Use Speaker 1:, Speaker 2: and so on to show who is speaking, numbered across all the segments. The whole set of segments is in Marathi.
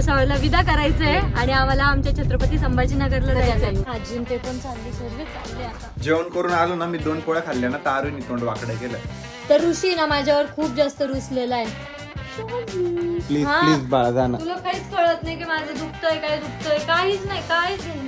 Speaker 1: भुसावळला विदा करायचंय आणि आम्हाला आमच्या छत्रपती संभाजीनगरला जायचंय. आजी ते पण चालली, सर्व चालले आता.
Speaker 2: जेवण करून आलो ना, मी 2 पोळ्या खाल्ल्या ना, तारुनी तोंड वाकडं केलं.
Speaker 1: तर ऋषी ना माझ्यावर खूप जास्त रुसलेला आहे.
Speaker 2: प्लीज प्लीज बाळा जा ना.
Speaker 1: तुला काहीच कळत नाही की माझं दुखतंय, काय दुखतंय, काहीच नाही, काहीच नाही.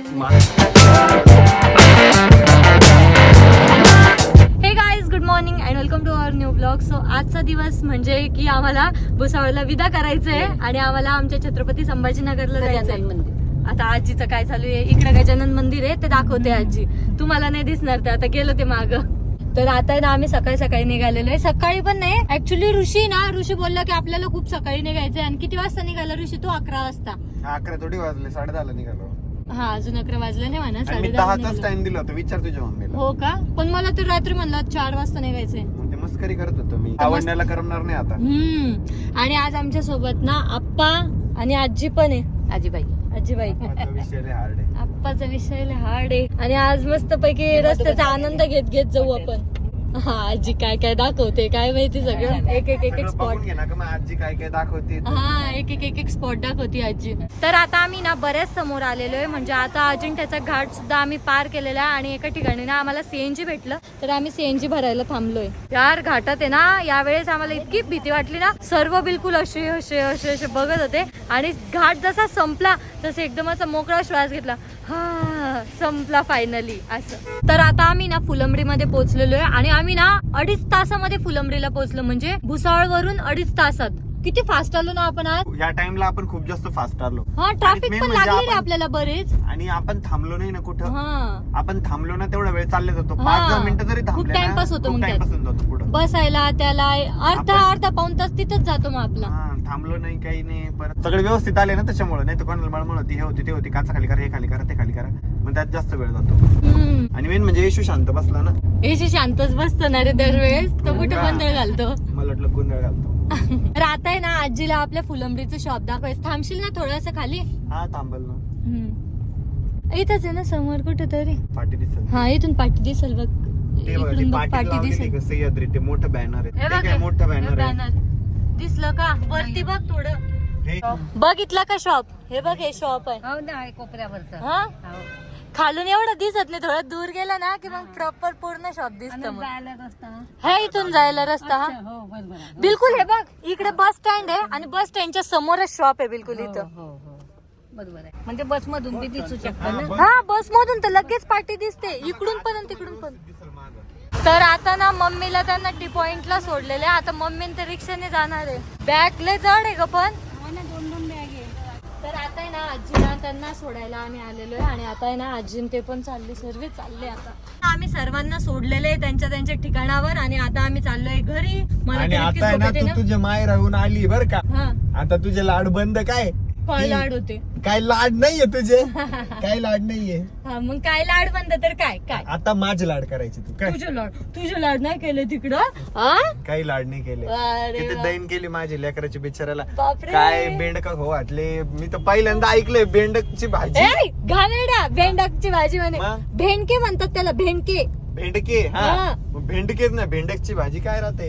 Speaker 1: Hey guys, good morning and welcome to our new blog. So आजचा दिवस म्हणजे की आम्हाला भुसावळला विदा करायचंय आणि आम्हाला आमच्या छत्रपती संभाजीनगरला जायचंय. आता आजीचं काय चालू आहे, इकडे गजानन मंदिर आहे ते दाखवते आजी. तुम्हाला नाही दिसणार, ते आता गेलो ते माग. तर आता ना आम्ही सकाळी सकाळी निघालेलो आहे. सकाळी पण नाही ऍक्च्युली, ऋषी बोलला की आपल्याला खूप सकाळी निघायचंय. आणि किती वाजता निघाला ऋषी? तू 11 वाजता.
Speaker 2: 11 थोडी वाजले, 10:30 निघालो.
Speaker 1: हा, अजून 11 वाजले नाही म्हणा,
Speaker 2: 10:30 टाइम दिला होता. विचार तुझ्या मम्मीला.
Speaker 1: हो का? पण मला तर रात्री म्हणला 4 वाजता निघायचंय.
Speaker 2: ते मस्करी करत होतो मी, आवडण्याला करणार नाही आता.
Speaker 1: आणि आज आमच्या सोबत ना आप्पा आणि आजी पण आहे. आजीबाई
Speaker 2: विषय लय हार्ड आहे.
Speaker 1: आप्पाचा विषय लय हार्ड आहे. आणि आज मस्त पैकी रस्त्याचा आनंद घेत जाऊ आपण. हा, आजी काय काय दाखवते काय माहिती, सगळं एक स्पॉट
Speaker 2: घे ना का, मग आजी काय काय दाखवते.
Speaker 1: हा, एक स्पॉट दाखवती आजी. तर आता आम्ही ना बऱ्याच समोर आलेलो आहे. म्हणजे आता अजिंठ्याचा घाट सुद्धा आम्ही पार केलेला आहे. आणि एका ठिकाणी ना आम्हाला सीएनजी भेटलं, तर आम्ही सीएनजी भरायला थांबलोय. यार घाटात आहे ना, यावेळेस आम्हाला इतकी भीती वाटली ना, सर्व बिलकुल असे बघत होते. आणि घाट जसा संपला तसं एकदम असा मोकळा श्वास घेतला, हा संपला फायनली असं. तर आता आम्ही ना फुलंब्रीमध्ये पोहोचलेलो आहे. आणि आम्ही ना 2.5 तासामध्ये फुलंब्रीला पोहोचलो. म्हणजे भुसावळ वरून 2.5 तासात. किती फास्ट आलो ना आपण आज.
Speaker 2: या टाइमला आपण खूप जास्त फास्ट आलो.
Speaker 1: हा, ट्रॅफिक पण लागली आपल्याला बरेच.
Speaker 2: आणि आपण थांबलो नाही ना कुठं.
Speaker 1: हा,
Speaker 2: आपण थांबलो ना तेवढा वेळ चालले जातो. 5-10 मिनिटं जरी थांबले ना,
Speaker 1: टाइमपास होतो. मग
Speaker 2: जातो पुढं
Speaker 1: बसायला त्याला अर्धा पाऊण तास तिथंच जातो मग आपला.
Speaker 2: थांबलो नाही, काही नाही. परत सगळे व्यवस्थित आले ना, त्याच्यामुळे. नाही तर कोणाला मळमळ होती, हे होती, ते होती, काचा खाली करा, हे खाली करा, ते खाली करा. मग त्यात जास्त वेळ जातो. आणि मेन म्हणजे येशू शांत बसला ना.
Speaker 1: येशू शांतच बसतो ना रे दरवेळेस. तो कुठे गोंधळ घालतो.
Speaker 2: मला वाटलं गोंधळ घालतो.
Speaker 1: तर आता आहे ना आजीला आपल्या फुलंब्रीचं शॉप दाखवायचं. थांबशील ना थोडस खाली?
Speaker 2: हा, थांबल ना.
Speaker 1: इथंच आहे ना समोर कुठेतरी.
Speaker 2: पाठी दिसल.
Speaker 1: हा, इथून पाठी दिसल बघ. इकडून बघ, पाठी दिसल.
Speaker 2: सह्याद्री ते मोठं बॅनर
Speaker 1: हे
Speaker 2: आहे.
Speaker 1: बघ,
Speaker 2: मोठं बॅनर आहे.
Speaker 1: बॅनर दिसलं का? वरती बघ थोडं. बघितला का शॉप? हे बघ, हे शॉप आहे
Speaker 3: कोपऱ्यावरचं.
Speaker 1: हा, खालून एवढं दिसत नाही, थोडं दूर गेला ना की मग प्रॉपर पूर्ण शॉप दिसत.
Speaker 3: जायला रस्ता.
Speaker 1: हे इथून जायला रस्ता. हा,
Speaker 3: हो, बरोबर आहे.
Speaker 1: बिलकुल. हे बघ, इकडे बस स्टँड आहे आणि बस स्टँडच्या समोरच शॉप आहे बिलकुल इथं.
Speaker 3: हो, बरोबर आहे. म्हणजे बस मधून बी दिसू शकतं ना.
Speaker 1: हा, बस मधून तर लगेच पार्टी दिसते, इकडून पण आणि तिकडून पण. तर आता ना मम्मीला त्यांना टी पॉइंटला सोडलेले. आता मम्मी ते रिक्षाने जाणार आहे. बॅग लय जड आहे ग पण.
Speaker 3: 2 बॅग आहे.
Speaker 1: तर आता आहे ना आजीला त्यांना सोडायला आम्ही आलेलो आहे. आणि आता आहे ना आजी ते पण सर्व चालले. आता आम्ही सर्वांना सोडलेले त्यांच्या ठिकाणावर. आणि आता आम्ही चाललोय घरी. मला
Speaker 2: आणि आता आहे ना, तू तुझ्या माय राहून आली बर का. आता तुझे लाड बंद. काय
Speaker 1: लाड होते?
Speaker 2: काय लाड नाहीये तुझे. काय लाड नाहीये.
Speaker 1: हा, मग काय लाड बंद तर काय काय
Speaker 2: आता माझे लाड करायचे तू. काय
Speaker 1: तुझे लाड नाही केले तिकडं?
Speaker 2: काही लाड नाही केले.
Speaker 1: अरे
Speaker 2: किती दैन केली माझी लेकराची बिचाराला.
Speaker 1: बापरे.
Speaker 2: काय बेंडक हो वाटले. मी तर पहिल्यांदा ऐकलंय बेंडकची भाजी.
Speaker 1: घाणेरडा. भेंडकची भाजी म्हणे. भेंडके म्हणतात त्याला, भेंडके.
Speaker 2: भेंडके. हा, भेंडकेच ना, भेंडकची भाजी काय राहते.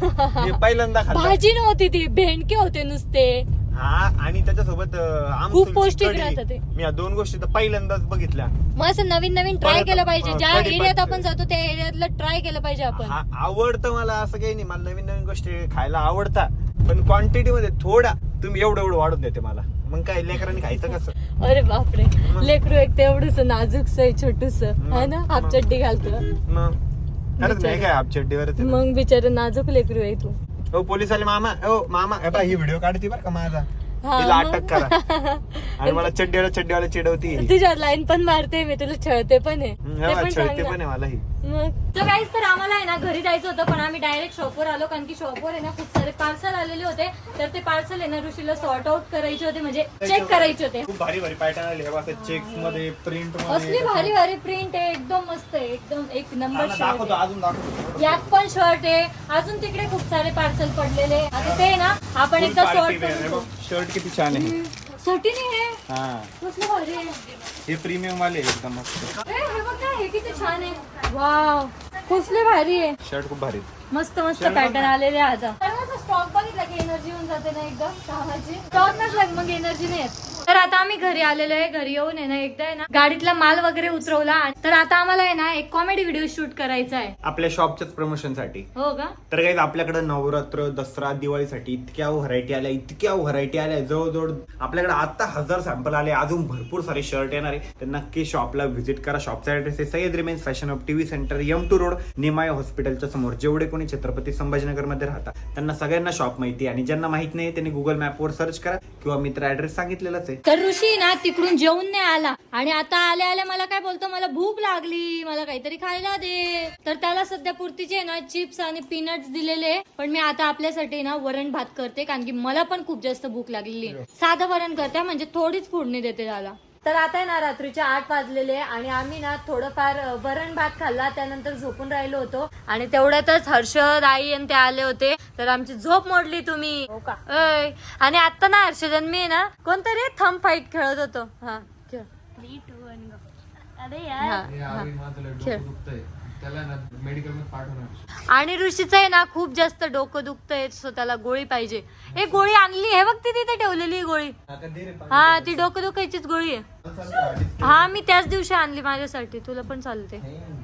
Speaker 2: मी पहिल्यांदा खाल्लं.
Speaker 1: भाजी नव्हती ती, भेंडके होते नुसते.
Speaker 2: हा, आणि त्याच्यासोबत
Speaker 1: खूप पौष्टिक राहतं ते.
Speaker 2: मी या 2 गोष्टी तर पहिल्यांदाच बघितल्या.
Speaker 1: मग असं नवीन ट्राय केलं पाहिजे. ज्या एरियात आपण जातो त्या एरियातलं ट्राय केलं पाहिजे आपण.
Speaker 2: आवडतं मला, असं काही नाही. मला नवीन गोष्टी खायला आवडतात, पण क्वांटिटी मध्ये थोडा. तुम्ही एवढं वाढून देते मला, मग काय लेकरांनी खायचं कसं.
Speaker 1: अरे बापरे, लेकरू एक ते एवढंच नाजूकस आहे, छोटूस आहे ना, हाफ चड्डी घालतो.
Speaker 2: मग खरंच नाही काय हाफ चड्डीवर.
Speaker 1: मग बिचार नाजूक लेकरू आहे तू.
Speaker 2: हो, पोलीस आले. मामा ही व्हिडिओ काढते बरं का माझा. तिला अटक करा. आणि मला चड्डीवाला चिडवती.
Speaker 1: तुझ्यावर लाईन पण मारते मी, तुला छळते पण आहे.
Speaker 2: छळते पण आहे मलाही.
Speaker 1: तर काहीच, तर आम्हाला आहे ना घरी जायचं होतं, पण आम्ही डायरेक्ट शॉपवर आलो. कारण की शॉपवर आहे ना खूप सारे पार्सल आलेले होते. तर ते पार्सल आहे ना ऋषीला सॉर्ट आउट करायचे होते, म्हणजे चेक करायचे होते.
Speaker 2: खूप भारी पॅटर्न आले. चेक्स मध्ये, प्रिंट मध्ये.
Speaker 1: असली भारी प्रिंट आहे, एकदम मस्त आहे, एकदम एक नंबर शर्ट.
Speaker 2: अजून दाखवतो.
Speaker 1: यात पण शर्ट आहे. अजून तिकडे खूप सारे पार्सल पडलेले. आता ते ना आपण एकदा सॉर्ट करू.
Speaker 2: शर्ट किती छान आहे.
Speaker 1: सटीने आहे.
Speaker 2: हा,
Speaker 1: कसलं भारी आहे.
Speaker 2: हे प्रीमियम वाले एकदम मस्त.
Speaker 1: हे बघ ना, हे किती छान आहे. वाव, कसले भारी आहे.
Speaker 2: शर्ट खूप भारी.
Speaker 1: मस्त पॅटर्न आलेले. आता सर्वांचा स्टॉक बघितला की एनर्जी येऊन जाते. जाते ना एकदम कामाची टॉर्नच लाग मग एनर्जी नाही येत. तर आता आम्ही घरी आलेलो आहे. घरी येऊन आहे ना एकदा आहे ना गाडीतला माल वगैरे उतरवला. तर आता आम्हाला आहे ना एक कॉमेडी व्हिडिओ शूट करायचा आहे
Speaker 2: आपल्या शॉपच्याच प्रमोशन साठी.
Speaker 1: हो का?
Speaker 2: तर काही आपल्याकडे नवरात्र दसरा दिवाळीसाठी इतक्या व्हरायटी आल्या जवळजवळ आपल्याकडे आता 1000 सॅम्पल आले. अजून भरपूर सारे शर्ट येणार आहे. तर नक्की शॉपला व्हिजिट करा. शॉपचा ऍड्रेस आहे सय्यद रिमेन्स fashion of TV centre M2 road निमाय हॉस्पिटलच्या समोर. जेवढे कोणी छत्रपती संभाजीनगर मध्ये राहतात त्यांना सगळ्यांना शॉप माहिती आहे आणि ज्यांना माहित नाही त्यांनी गुगल मॅपवर सर्च करा किंवा मित्र ऍड्रेस सांगितलेलाच आहे.
Speaker 1: तर ऋषी ना तिकडून जेवून नाही आला आणि आता आल्या मला काय बोलतो, मला भूक लागली, मला काहीतरी खायला दे. तर त्याला सध्या पुरतीचे ना चिप्स आणि पीनट्स दिलेले. पण मी आता आपल्यासाठी ना वरण भात करते कारण की मला पण खूप जास्त भूक लागलेली. साधं वरण करते म्हणजे थोडीच फोडणी देते त्याला. तर आता ना रात्रीचे 8 वाजलेले आणि आम्ही ना थोडंफार वरण भात खाल्ला. त्यानंतर झोपून राहिलो होतो आणि तेवढ्यातच हर्षद आई आणि ते आले होते. तर आमची झोप मोडली तुम्ही.
Speaker 3: हो का?
Speaker 1: आणि आता ना हर्षद मी ना कोणतरी थंब फाईट खेळत होतो. हा खेळ.
Speaker 3: 3, 2, 1 go. अरे
Speaker 1: हा,
Speaker 3: यार
Speaker 1: हा. खेळ.
Speaker 4: त्याला ना मेडिकल मध्ये पाठवणार.
Speaker 1: आणि ऋषीचं आहे ना खूप जास्त डोकं दुखतंय सो त्याला गोळी पाहिजे. एक गोळी आणली हे बघ ती तिथे ठेवलेली गोळी. हा ती डोकं दुखायचीच गोळी आहे. हा मी त्याच दिवशी आणली माझ्यासाठी. तुला पण चालते.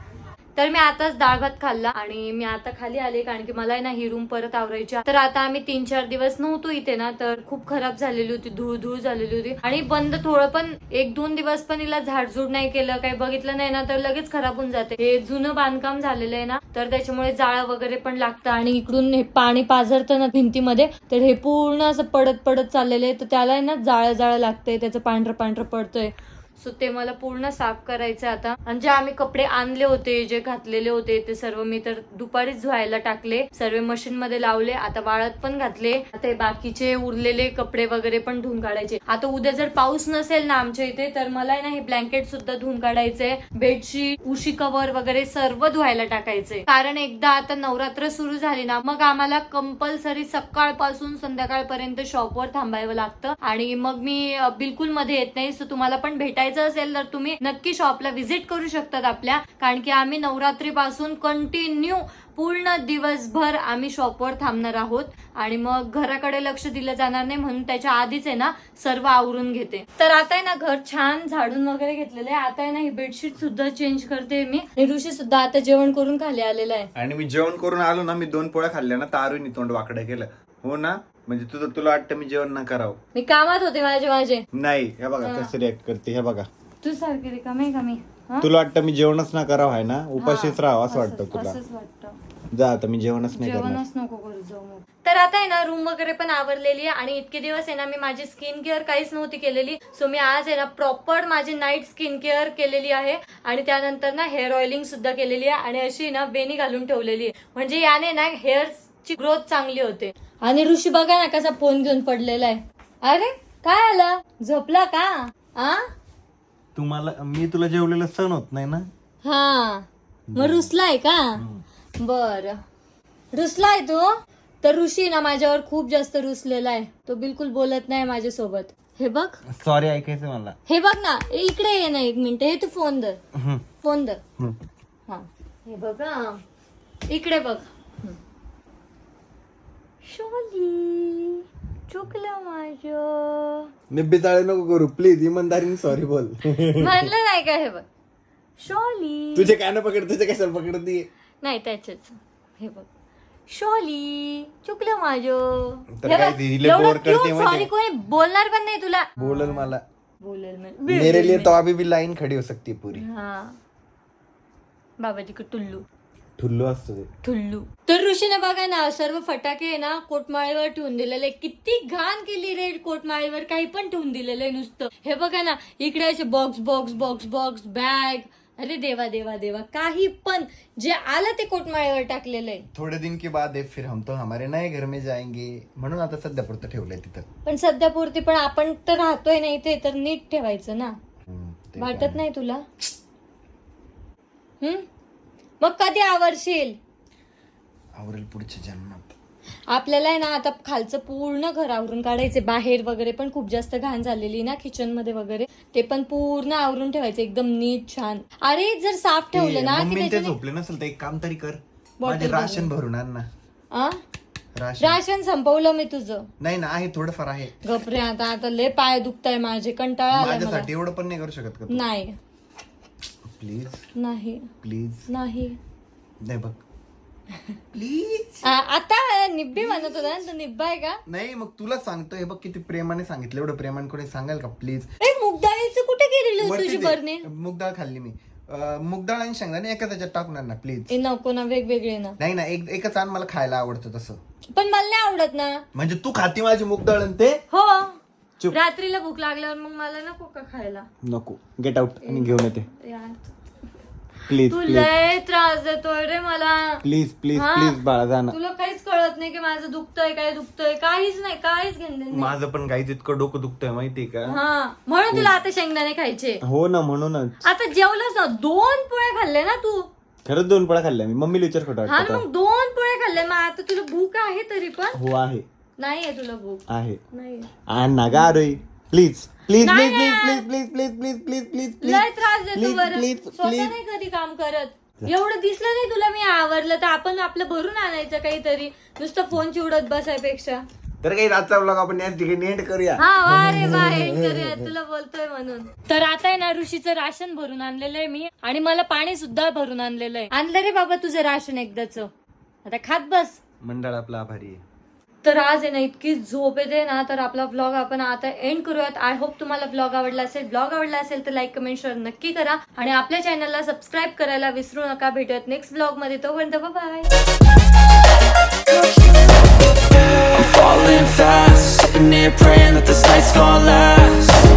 Speaker 1: तर मी आताच डाळ भात खाल्ला आणि मी आता खाली आले कारण की मला आहे ना ही रूम परत आवरायची. तर आता आम्ही 3-4 दिवस नव्हतो इथे ना तर खूप खराब झालेली होती, धूळ झालेली होती आणि बंद थोडं पण 1-2 दिवस पण हिला झाडझूड नाही केलं, काही बघितलं नाही ना तर लगेच खराब होऊन जाते. हे जुनं बांधकाम झालेलं आहे ना तर त्याच्यामुळे जाळं वगैरे पण लागतं आणि इकडून हे पाणी पाझरतं ना भिंतीमध्ये तर हे पूर्ण असं पडत चाललेलं आहे. तर त्याला आहे ना जाळं लागतंय, त्याचं पांढरं पडतंय. सो ते मला पूर्ण साफ करायचं आता. आणि जे आम्ही कपडे आणले होते, जे घातलेले होते ते सर्व मी तर दुपारीच धुवायला टाकले. सर्व मशीन मध्ये लावले. आता वाळत पण घातले. आता हे बाकीचे उरलेले कपडे वगैरे पण धुवून काढायचे. आता उद्या जर पाऊस नसेल ना आमच्या इथे तर मला आहे ना हे ब्लँकेट सुद्धा धुवून काढायचंय. बेडशीट, उशी कव्हर वगैरे सर्व धुवायला टाकायचंय. कारण एकदा आता नवरात्र सुरू झाली ना मग आम्हाला कंपल्सरी सकाळपासून संध्याकाळपर्यंत शॉपवर थांबायला लागतं आणि मग मी बिलकुल मध्ये येत नाही. सो तुम्हाला पण भेटायचं असेल तर तुम्ही नक्की शॉपला व्हिजिट करू शकतात आपल्या. कारण की आम्ही नवरात्रीपासून कंटिन्यू पूर्ण दिवसभर आम्ही शॉपवर थांबणार आहोत आणि मग घराकडे लक्ष दिलं जाणार नाही म्हणून त्याच्या आधीच आहे ना सर्व आवरून घेते. तर आता आहे ना घर छान झाडून वगैरे घेतलेलं आहे. आता आहे ना ही बेडशीट सुद्धा चेंज करते मी. ऋषी सुद्धा आता जेवण करून खाली आलेला आहे.
Speaker 2: आणि मी जेवण करून आलो ना मी 2 पोळ्या खाल्ल्या ना तारुनी तोंड वाकडं केलं. हो ना म्हणजे तुला वाटतं मी जेवण ना करावं.
Speaker 1: मी कामात होते माझे
Speaker 2: नाही. हे बघा कसं रिॲक्ट करते. हे बघा
Speaker 1: तू सारखी रिकामी कमी.
Speaker 2: तुला वाटतं मी जेवणच ना करावं आहे ना उपाशीच राहावं असं वाटतं तुला.
Speaker 1: असंच वाटतं.
Speaker 2: जा आता मी जेवणच नाही करणार.
Speaker 1: जेवणच नको करू जाऊ मग. तर आता आहे ना रूम वगैरे पण आवरलेली आहे आणि इतके दिवस आहे ना मी माझी स्किन केअर काहीच नव्हती केलेली. सो मी आज आहे ना प्रॉपर माझी नाईट स्किन केअर केलेली आहे आणि त्यानंतर ना हेअर ऑइलिंग सुद्धा केलेली आहे आणि अशी ना वेणी घालून ठेवलेली आहे म्हणजे याने ना हेअरची ग्रोथ चांगली होते. आणि ऋषी बघा ना कसा फोन घेऊन पडलेला आहे. अरे काय आलं, झोपला का? आ
Speaker 2: तुम्हाला मी तुला जेवलेलं सण होत नाही ना.
Speaker 1: हा मग रुसलाय का? बर रुसलाय तो. तर ऋषी ना माझ्यावर खूप जास्त रुसलेला आहे. तो बिलकुल बोलत नाही माझ्यासोबत. हे बघ
Speaker 2: सॉरी ऐकायचं मला.
Speaker 1: हे बघ ना इकडे ये ना 1 मिनिट. हे तू फोन धर. हा हे बघा इकडे बघ. शोली चुकलं माझं.
Speaker 2: निब्बी चाळे नको करू प्लीज. इमानदारीने सॉरी बोल.
Speaker 1: म्हणलं नाही का? हे बघ शोली.
Speaker 2: तुझे काय ना पकड तुझे कशाला पकडते
Speaker 1: नाही त्याच्याच. हे बघ शोली चुकलं माझं.
Speaker 2: तर काय ती हिला बोर करते म्हणजे?
Speaker 1: सॉरी कोणी बोलणार पण नाही तुला.
Speaker 2: बोलल मला.
Speaker 1: बोलेल
Speaker 2: मेरे लिए तो अभी भी लाइन खड़ी हो सकती है पूरी.
Speaker 1: हा बाबाजी का टुल्लू
Speaker 2: ठुल्लू असतो ते.
Speaker 1: ठुल्लू. तर ऋषीने बघा ना सर्व फटाके आहे ना कोटमाळीवर ठेवून दिलेले. किती घाण केली रे कोटमाळीवर. काही पण ठेवून दिलेलं आहे नुसतं. हे बघा ना इकडे असे बॉक्स बॅग. अरे देवा देवा देवा काही पण जे आलं ते कोटमाळीवर टाकलेलं आहे.
Speaker 2: थोडे दिन के बाद फिर हम तो हमारे नए घर में जाएंगे म्हणून आता सध्या पुरतं ठेवलंय तिथं.
Speaker 1: पण सध्या पुरती पण आपण तर राहतोय ना इथे तर नीट ठेवायचं ना.
Speaker 2: ते
Speaker 1: वाटत नाही तुला? मग कधी आवरशील?
Speaker 2: आवरेल पुढच्या जन्मात.
Speaker 1: आपल्याला आहे ना आता खालचं पूर्ण घर आवरून काढायचे. बाहेर वगैरे पण खूप जास्त घाण झालेली ना किचन मध्ये वगैरे. ते पण पूर्ण आवरून ठेवायचं एकदम नीट छान. अरे जर साफ ठेवलं ना
Speaker 2: मम्मी ते झोपले नसेल तर एक काम तरी कर. माझे राशन भरून आण ना.
Speaker 1: राशन संपवलं मी तुझं.
Speaker 2: नाही ना, आहे थोडंफार आहे.
Speaker 1: गपरे, आता लय पाय दुखताय माझे, कंटाळा आलाय मला.
Speaker 2: माझ्यासाठी एवढं पण नाही करू शकत का?
Speaker 1: नाही
Speaker 2: प्लीज
Speaker 1: नाही
Speaker 2: प्लीज.
Speaker 1: नाही
Speaker 2: नाही बघ प्लीज.
Speaker 1: आता निब्बी म्हणत होता ना, तू निब्बा आहे का?
Speaker 2: नाही मग तुला सांगतो, हे बघ किती प्रेमाने सांगितलं, एवढं प्रेमाने कोणी सांगाल का? प्लीज.
Speaker 1: मूग डाळीचं कुठे गेलेली तुझी बरणी?
Speaker 2: मूग डाळ खाल्ली मी. मूग डाळ आणि शेंगदाणे एका त्याच्यात टाकणार ना प्लीज.
Speaker 1: नको ना, वेगवेगळे ना.
Speaker 2: नाही ना, एकच आण, मला खायला आवडतं तसं.
Speaker 1: पण मला नाही आवडत ना.
Speaker 2: म्हणजे तू खाती माझी मूग डाळ आणि ते?
Speaker 1: हो.
Speaker 2: चुप.
Speaker 1: रात्रीला भूक लागल्यावर मग मला नको का खायला?
Speaker 2: नको, गेट आउट आणि घेऊन येते.
Speaker 1: यार,
Speaker 2: प्लीज
Speaker 1: तू
Speaker 2: प्लीज
Speaker 1: लय त्रास देतोय रे मला.
Speaker 2: प्लीज प्लीज
Speaker 1: हा?
Speaker 2: प्लीज बाळा, जा ना.
Speaker 1: तुला काहीच कळत नाही की माझं दुखतंय, काय दुखतंय, काहीच नाही, काहीच घेणं नाही.
Speaker 2: माझं पण काहीच इतकं डोकं दुखतंय माहितीये का?
Speaker 1: हा, म्हणून तुला आता शेंगदाणे खायचे.
Speaker 2: हो ना, म्हणूनच.
Speaker 1: आता जेवलंच ना, 2 पोळे खाल्ले ना तू.
Speaker 2: खरंच 2 पोळ्या खाल्ल्या मी. मम्मीला विचार खोटं
Speaker 1: हा
Speaker 2: वाटतं
Speaker 1: मग 2 पोळे खाल्ले. मग आता तुला भूक आहे तरी पण?
Speaker 2: हो आहे.
Speaker 1: नाहीये तुला भूक?
Speaker 2: आहे.
Speaker 1: नाही.
Speaker 2: आण ना गा रे, प्लीज प्लीज
Speaker 1: नाही,
Speaker 2: प्लीज
Speaker 1: नाही.
Speaker 2: Please please please please please please
Speaker 1: लय त्रास देतो
Speaker 2: प्लीज
Speaker 1: बरं.
Speaker 2: प्लीज
Speaker 1: स्वतः
Speaker 2: प्लीज.
Speaker 1: नाही कधी काम करत. एवढं दिसलं नाही तुला मी आवरलं तर आपण आपलं भरून आणायचं काहीतरी, नुसतं फोन चिवडत बसायपेक्षा.
Speaker 2: तर काही रातचा ब्लॉग आपण या ठिकाणी एंड करूया.
Speaker 1: हा वा रे वा, एंड करूया, तुला बोलतोय म्हणून. तर आता आहे ना, ऋषीचं राशन भरून आणलेलं आहे मी, आणि मला पाणी सुद्धा भरून आणलेलं आहे. आणलं रे बाबा तुझं राशन एकदाच, आता खात बस.
Speaker 2: मंडळ आपला आभारी आहे.
Speaker 1: तर आज आहे ना इतकी झोप येते ना, तर आपला व्लॉग आपण आता एंड करूयात. आय होप तुम्हाला व्लॉग आवडला असेल. व्लॉग आवडला असेल तर लाईक, कमेंट, शेअर नक्की करा, आणि आपल्या चॅनलला सबस्क्राईब करायला विसरू नका. भेटूयात नेक्स्ट व्लॉग मध्ये. तोपर्यंत bye.
Speaker 5: I'm falling fast, sitting here praying that this night's gonna last.